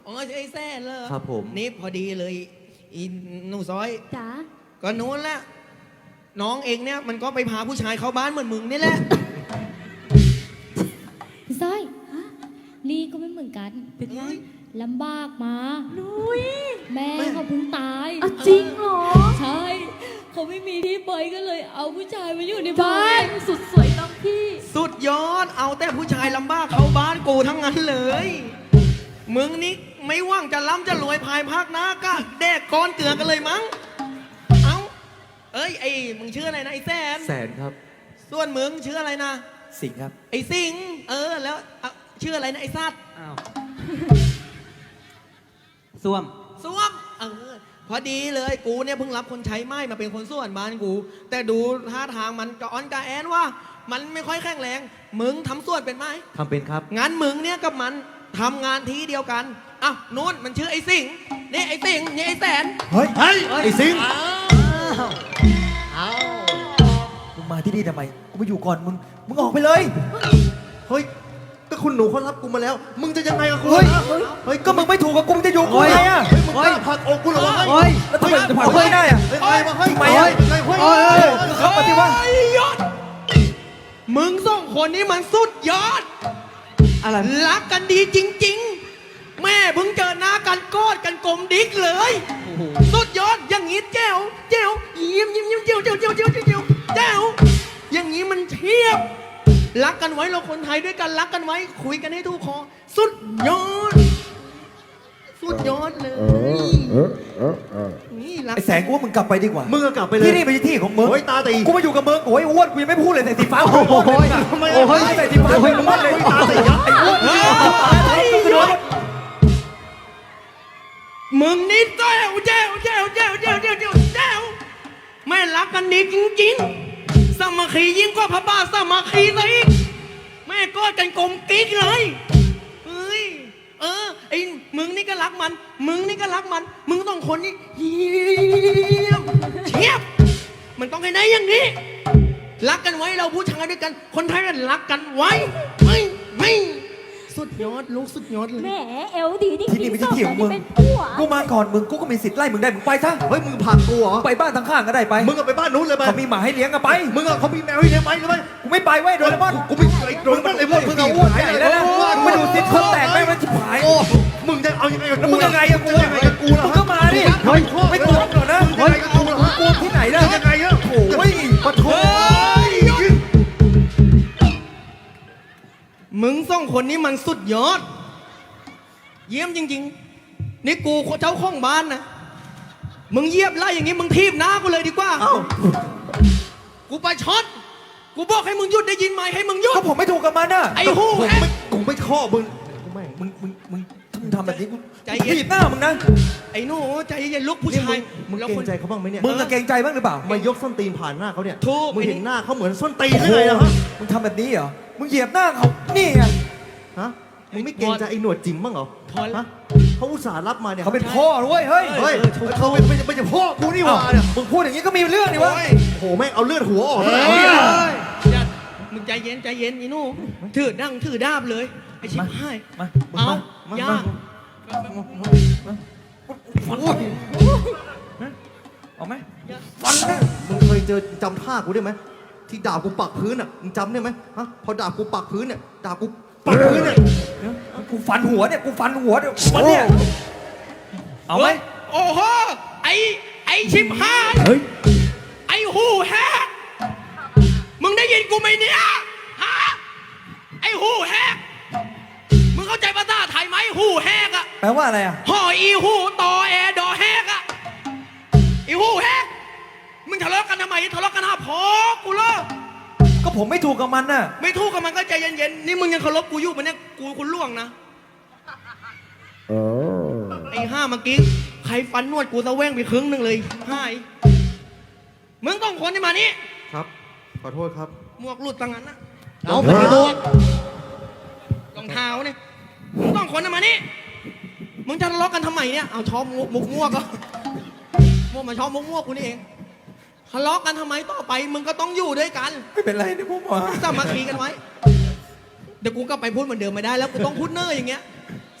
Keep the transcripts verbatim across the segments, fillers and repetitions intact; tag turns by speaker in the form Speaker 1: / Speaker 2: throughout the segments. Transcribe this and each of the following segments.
Speaker 1: อ๋อไอ้แซ่เลย
Speaker 2: ครับผม
Speaker 1: นี่พอดีเลยอีหนูซอย
Speaker 3: จ๋า
Speaker 1: ก็นู้นแหละน้องเองเนี่ยมันก็ไปพาผู้ชายเข้าบ้านเหมือนมึงนี่แหละ
Speaker 3: พี่สร้อยนี่ก็ไม่เหมือนกัน
Speaker 1: เป็นไง
Speaker 3: ลำบากมา
Speaker 4: นุ้ย
Speaker 3: แม่เขาเพิ่งตาย
Speaker 4: อ่ะจริงเหรอ
Speaker 3: ใช่เขาไม่มีที่ไปก็เลยเอาผู้ชายมาอยู่ใน
Speaker 4: บ้า
Speaker 3: บ้าน
Speaker 4: นสุดสวยต้องพี่
Speaker 1: สุดยอดเอาแต่ผู้ชายลำบากเข้าบ้านกูทั้งนั้นเลย มึงนี่ไม่ว่างจะล้ำจะรวยภายภาคหน้าก็แดกก้อนเกลือกันเลยมั้งเอาเอ้ยไอ้มึงชื่ออะไรนะไอ้แสน
Speaker 2: แสนครับ
Speaker 1: ส่วนมึงชื่ออะไรนะ
Speaker 2: สิงห์ครับ
Speaker 1: ไอ้สิงห์เออแล้วอ่ะชื่ออะไรนะไอ้ซัด
Speaker 2: อ้าวส้วม
Speaker 1: ส้วมเออพอดีเลยกูเนี่ยเพิ่งรับคนใช้ไม้มาเป็นคนส่วนบ้านกู แต่ดูท่าทางมันกระอ้อนกระแอนว่า มันไม่ค่อยแข็งแรงมึงทำส่วนเป็นไหม
Speaker 2: ทำเป็นครับ
Speaker 1: งั้นมึงเนี่ยกับมันทำงานที่เดียวกันอ่ะนู้นมันชื่อไอ้สิงห์นี่ไอ้สิงห์นี่ไอ้แสน
Speaker 5: เฮ้ย
Speaker 2: เฮ้ย
Speaker 5: ไอ้สิงห์
Speaker 1: เอา
Speaker 5: มึงมาที่นี่ทำไม กูมาอยู่ก่อนมึง มึงออกไปเลย
Speaker 6: เฮ้ยก็คุณหนูเขารับกูมาแล้ว มึงจะยังไงกับกู
Speaker 5: เฮ้ย
Speaker 6: นะ
Speaker 5: เฮ้ย ก็มึงไม่ถูกกับกูมึงจะอยู่กูไงอ่ะ
Speaker 6: เฮ้ยมึงกล้าผลักอกกูเหรอวะ
Speaker 5: เฮ้ย แล้วทำไมจะผลักกูไม่ได้อ่ะ
Speaker 6: เฮ้ยไงมาเฮ้ย
Speaker 5: ทำไมอะ
Speaker 6: ไงเฮ้ย
Speaker 5: เฮ้ยเฮ้ยเข้ามาสิวะ
Speaker 1: เฮ้ยยศมึงสองคนนี้มันสุดยอด
Speaker 2: อะไร
Speaker 1: รักกันดีจริง ๆ แม่เพิ่งเจอหน้ากันกอดกันกลมดิกเลย สุดยอดอย่างงี้แจ๋วแจ๋วยิ้มยิ้มยิ้มเจียวเจียวเจียวเจียวเจียวเจียวแจ๋วอย่างงี้มันเทียบ รักกันไว้เราคนไทยด้วยกันรักกันไว้ คุยกันให้ถูกคอสุดยอด สุดยอดเลยนี่รัก
Speaker 5: ไอ้แสงกูว่ามึงกลับไปดีกว่า
Speaker 6: มึงก็กลับไปเลย
Speaker 5: ที่นี่เป็นที่ของมึง
Speaker 6: โอ้ยตาตี
Speaker 5: กูมาอยู่กับมึงโอ้ยอ้วนกูยังไม่พูดเลยใส่สีฟ้า
Speaker 2: โอ้โห
Speaker 6: ทำไม
Speaker 5: โอ้ยใส่สีฟ้าโอ้ยอ้วนเลย
Speaker 6: ตาตียับ
Speaker 5: ไอ้อ้วน
Speaker 1: เฮ้ยมึงนี่แจ๋วแจ๋วแจ๋วแจ๋วแจ๋วแจ๋วแจ๋วแจ๋วแม่รักกันดีจริงๆสามัคคียิ่งกว่าพระบาทสามัคคีซะอีกแม่กอดกันกลมกิ๊กเลยเฮ้ยเออไอ้มึงนี่ก็รักมัน มึงนี่ก็รักมัน มึงต้องคนนี้เยี่ยมเชียบมันต้องให้ได้อย่างนี้ รักกันไว้เราผู้ชายด้วยกัน คนไทยกันรักกันไว้ไม่ไม่สุดยอดลูกสุดยอดเลย
Speaker 4: แหมเอลดีนี่
Speaker 5: ที่นี่เป็นที่ที่ของมึง
Speaker 4: เป็นผัว
Speaker 5: กูมาก่อนมึง กูก็มีสิทธิ์ไล่มึงได้ มึงไปซะ
Speaker 6: เฮ้ยมึงผลักกูเหรอ
Speaker 5: ไปบ้านทางข้างก็ได้ไป
Speaker 6: มึงก็ไปบ้านนู้นเลยไป
Speaker 5: เขามีหมาให้เลี้ยงอะไป
Speaker 6: มึงอะเขามีแมวให้เลี้ยงไหมหรือไม่
Speaker 5: กูไม่ไปเว้ยโดเรมอน
Speaker 6: กูไม่ไอ้โดนมันไอ้พวก
Speaker 5: มึงเอาอ้วนใหญ่แล้วนะมึงไม่ดูสิคนแตกแม่งมันชิบหาย
Speaker 6: โอ้มึงจะเอายังไงกับ
Speaker 5: แล้ว
Speaker 6: กู
Speaker 5: มึงยังไงอะกู
Speaker 6: จะยังไงกับกูล่ะ
Speaker 5: มึงก็มาดิเฮ้ยไม่กลัวหรอกนะ
Speaker 6: มึงจะยังไงกับกูล่ะฮะ
Speaker 5: กลัวที่ไหนล่ะ
Speaker 6: ยังไงอะ
Speaker 5: โอ้ย
Speaker 6: ปะโถ
Speaker 1: มึงสองคนนี้มันสุดยอด เยี่ยมจริงๆ นี่กูเจ้าของบ้านนะ มึงเยียบไล่อย่างนี้มึงทีบหน้ากูเลยดีกว่า กูไปช็อต กูบอกให้มึงหยุดได้ยินไหมให้มึงหยุด
Speaker 5: ก็ผมไม่ถูกกับมันน่ะ
Speaker 1: ไอ้หู
Speaker 6: ผม
Speaker 1: แฮะ
Speaker 6: ไม่กูไม่ชอบมึงกูไม่
Speaker 5: มึงมึงมึงมึงทำแบบนี้กู
Speaker 1: ใจเย็น
Speaker 5: ถีบหน้ามึงนะ
Speaker 1: ไอ้หนูใจเย็นๆลูกผู้
Speaker 6: นี่
Speaker 1: ชาย
Speaker 6: มึง
Speaker 1: แล้ว
Speaker 6: เกร
Speaker 1: ค
Speaker 6: ง
Speaker 1: น
Speaker 6: ใจเขาบ้างไหมเนี่ย
Speaker 5: มึงจะเกรงใจบ้างหรือเปล่า
Speaker 6: มายกส้นตีนผ่านหน้าเขาเนี่ย
Speaker 1: ถูก
Speaker 6: มึงเห็น
Speaker 1: ไอ้นี่
Speaker 6: หน้าเขาเหมือนส้นตีนหรือไงล่ะฮะ
Speaker 5: มึงทำแบบนี้เหรอ มึงเหยียบหน้าเขา นี่ไง
Speaker 6: ฮะ มึงไม่เกรงใจไอ้หนวดจิ๋มบ้างเหรอ
Speaker 1: พอแล้ว
Speaker 6: ฮะเขาอุตส่าห์รับมาเนี่ย
Speaker 5: เขาเป็นพ่อด้วยเฮ้ย
Speaker 6: เฮ้ยเขาเป็นไม่ใช่ไม่ใช่พ่อกูนี่หว่าเนี่ย
Speaker 5: มึงพูดอย่างนี้ก็มีเรื่องนี่วะ
Speaker 1: โอ้ย
Speaker 6: โอ้โหแม่งเอาเลือดหัวออก
Speaker 1: เฮ้
Speaker 6: เลย ย
Speaker 1: อย่ามึงใจเย็นใจเย็นไอ้หนูถือดั้งถือดาบเลย ไอ้ชิบหาย
Speaker 5: มา
Speaker 1: เอา
Speaker 5: มา
Speaker 1: ย่า
Speaker 5: เอาไหม
Speaker 6: ฟันนะมึงเคยเจอจำท่ากูได้ไหมที่ด่ากูปักพื้นอ่ะมึงจำได้ไหมฮะพอด่ากูปักพื้นเนี่ยด่ากูปักพื้นเนี่ย
Speaker 5: กูฟันหัวเนี่ย กูฟันหัวเดี๋ยวมันเนี่ย เอาไหม
Speaker 1: โอ้โห ไอ้ ไอ้ชิบหาย
Speaker 5: เฮ้ย
Speaker 1: ไอ้หูแฮกมึงได้ยินกูไหมเนี่ย ฮะ ไอ้หูแฮกมึงเข้าใจภาษาไทยไหมหูแฮกอะ
Speaker 5: แปลว่าอะไรอ่ะ
Speaker 1: ห่ออีหูต่อแอดอแฮกอะอีหูแฮกมึงทะเลาะกันทำไมทะเลาะกันหาพอกูเลิก
Speaker 5: ก็ผมไม่ถูกกับมันน่ะ
Speaker 1: ไม่ถูกกับมันก็ใจเย็นๆ นี่มึงยังเคารพกูอยู่ปะเนี่ย กูคุณล่วงนะไอ้ห้าเมื่อกี้ใครฟันนวดกูตะแว่งไปครึ่งหนึ่งเลยหายมึงต้องคนที่มานี่
Speaker 6: ครับ ขอโทษครับ
Speaker 1: หมวกหลุดตังนั้นนะ
Speaker 6: เอาไปดู
Speaker 1: รองเท้าเนี่ยมึงต้องคนที่มานี่มึงจะทะเลาะกันทำไมเนี่ยเอาชอบมุกมุกมั่วก็มั่วมาชอบมุกมั่วกูนี่เองทะเลาะกันทำไมต่อไปมึงก็ต้องอยู่ด้วยกัน
Speaker 5: ไม่เป็นไรนี่ผมว่า
Speaker 1: สามัคคีกันไว้ เดี๋ยวกูกลับไปพูดเหมือนเดิมไม่ได้แล้วกูต้องพูดเนอร์อย่างเงี้ย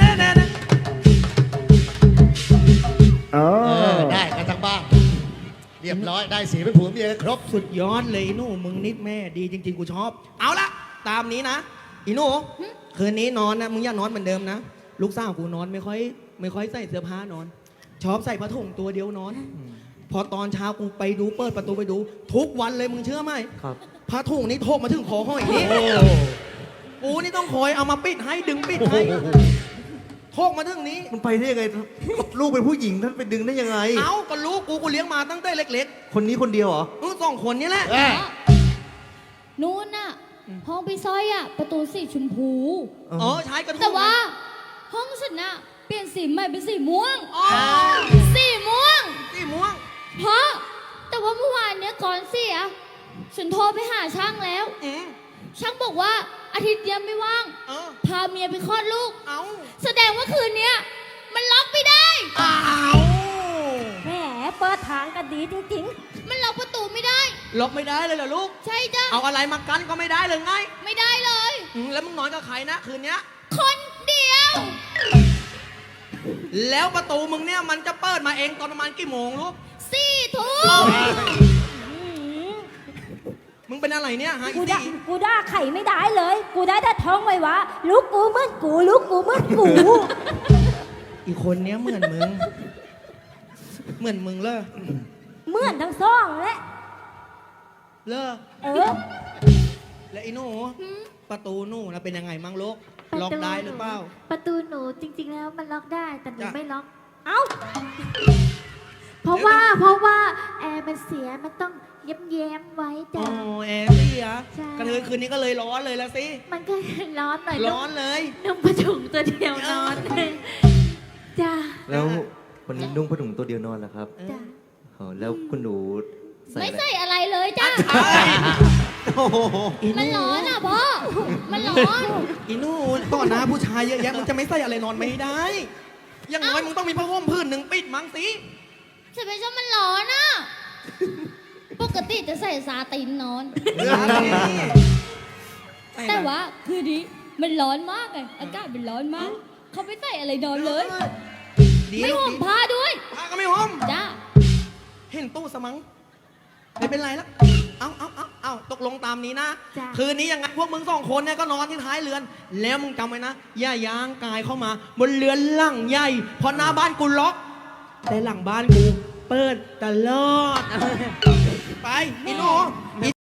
Speaker 1: เด้เด้
Speaker 7: เออ ได้กันทั้งบ้าน เรียบร้อย ได้สีเป็นผัวเมียกันครบ
Speaker 1: สุดยอดเลยอีหนูมึงนิดแม่ดีจริง ๆ กูชอบ เอาละตามนี้นะอีหนูคืนนี้นอนนะมึงอย่านอนเหมือนเดิมนะลูกสาวกูนอนไม่ค่อย ไม่ค่อยใส่เสื้อผ้านอน ชอบใส่ผ้าถุงตัวเดียวนอน พอตอนเช้ากูไปดูเปิดประตูไปดู ทุกวันเลยมึงเชื่อไหม
Speaker 6: ครับ
Speaker 1: ผ้าถุงนี่โทกมาถึงคอห้อยนี่กูนี่ต้องคอยเอามาปิดให้ดึงปิดให้โทกมาถึงนี้
Speaker 6: มันไปได้ยังไง ลูกเป็นผู้หญิงท่านไปดึงได้ยังไง
Speaker 1: เอ้าก็ลูกกูกูเลี้ยงมาตั้งแต่เล็ก
Speaker 6: คนนี้คนเดียวเหรอ
Speaker 1: ๆมึงสองคนนี้แหละ
Speaker 7: เอ้ย
Speaker 3: นู่นน่ะ ห้องพี่สร้อยอ่ะ ประตูสีชมพู
Speaker 1: เออใช้กระทุ่ม
Speaker 3: แต่ว่า ห้องฉันน่ะ เปลี่ยนสีใหม่เป็นสีม่วง
Speaker 1: อ๋อ
Speaker 3: สีม่วง
Speaker 1: สีม่วง
Speaker 3: เพราะแต่ว่าเมื่อวานเนี้ยก่อนเสียฉันโทรไปหาช่างแล้ว
Speaker 1: อืม
Speaker 3: ช่างบอกว่าอาทิตย์เดียวไม่ว่าง
Speaker 1: เออ
Speaker 3: พาเมียไปคลอดลูก
Speaker 1: เอา
Speaker 3: แสดงว่าคืนเนี้ยมันล็อกไม่ได้
Speaker 1: อ้าว
Speaker 4: แหมเปิดทางกันดีจริง
Speaker 3: มันล็อกประตูไม่ได้
Speaker 1: ล็อกไม่ได้เลยเหรอลูก
Speaker 3: ใช่จ้ะ
Speaker 1: เอาอะไรมากันก็ไม่ได้เลยไง
Speaker 3: ไม่ได้เลย
Speaker 1: อืมแล้วมึงนอนกับใครนะคืนเนี้ย
Speaker 3: คนเดียว
Speaker 1: แล้วประตูมึงเนี่ยมันจะเปิดมาเองตอนประมาณกี่โมงลูก
Speaker 3: สี่ทุ่ม
Speaker 1: มึงเป็นอะไรเนี่ยฮะ
Speaker 4: ๆ
Speaker 1: อี
Speaker 4: กูด่า
Speaker 1: สี่
Speaker 4: กูด่าไข่ไม่ได้เลย กูได้แต่ท้องไว้วะลูกกูเหมือนกูลูกกูเหมือนกู
Speaker 1: อีกคนเนี้ยเหมือนมึง เหมือนมึงเลย
Speaker 4: เหมือนทั้งสองแหละ
Speaker 1: เลอ
Speaker 4: เออ
Speaker 1: และอีหนูประตูหนูนะเป็นยังไงมั่งลูกล็อกได้หรือเปล่า
Speaker 8: ประตูหนูจริง ๆ แล้วมันล็อกได้แต่หนู
Speaker 1: จ้ะ
Speaker 8: ไม่ล็อก
Speaker 4: เอ้า
Speaker 8: เพราะว่าเพราะว่าแอร์มันเสียมันต้องเย้มแย้มๆไว้
Speaker 1: อ๋
Speaker 8: จ้ะ
Speaker 1: อแอร์เสีย
Speaker 8: ใช่
Speaker 1: กระเทยคืนนี้ก็เลยร้อนเลยละสิ
Speaker 8: มันก็ร้อนหน่อย
Speaker 1: ร้อนเลย
Speaker 8: นุ่งผ้าถุงตัวเดียวนอนจ้ะ
Speaker 6: แล้ววันนี้นุ่งผ้าถุงตัวเดียวนอนเหรอครับ
Speaker 8: จ้ะ
Speaker 6: อ๋อแล้วคุณหนูใส่
Speaker 3: ไม่
Speaker 6: อะไร
Speaker 3: ใส่อะไรเลยจ้ะ
Speaker 6: โอ้โห
Speaker 3: มันร้อนอ่ะพ่อ มันร้อน
Speaker 1: อีหนูต่อหน้าผู้ชายเยอะแยะมึงจะไม่ใส่อะไรนอนไม่ได้ อย่างน้อยมึงต้องมีผ้าห่มผืนหนึ่งปิดมั้งสิ
Speaker 3: สเปเชียลมันร้อนอ่ะ ปกติจะใส่ซาตินนอน แต่ว่าคืนนี้มันร้อนมากไงอากาศมันร้อนมาก เขาไม่ใส่อะไรนอนเลย
Speaker 1: ดี
Speaker 3: ไม่
Speaker 1: ลูก
Speaker 3: ห่ม
Speaker 1: ดี
Speaker 3: ผ้าด้วย
Speaker 1: ผ้าก็ไม่ห่ม
Speaker 3: จ้า
Speaker 1: เห็นตู้สมังไม่เป็นไรแล้ว เอาเอาเอาเอาตกลงตามนี้นะ
Speaker 8: จ้ะ
Speaker 1: คืนนี้ยังไงพวกมึงสองคนเนี่ยก็นอนที่ท้ายเรือน แล้วมึงจำไว้นะ อย่าย่างกายเข้ามา บนเรือนหลังใหญ่ เพราะหน้าบ้านกูล็อก แต่หลังบ้านกู เปิดตลอด ไปอีหนู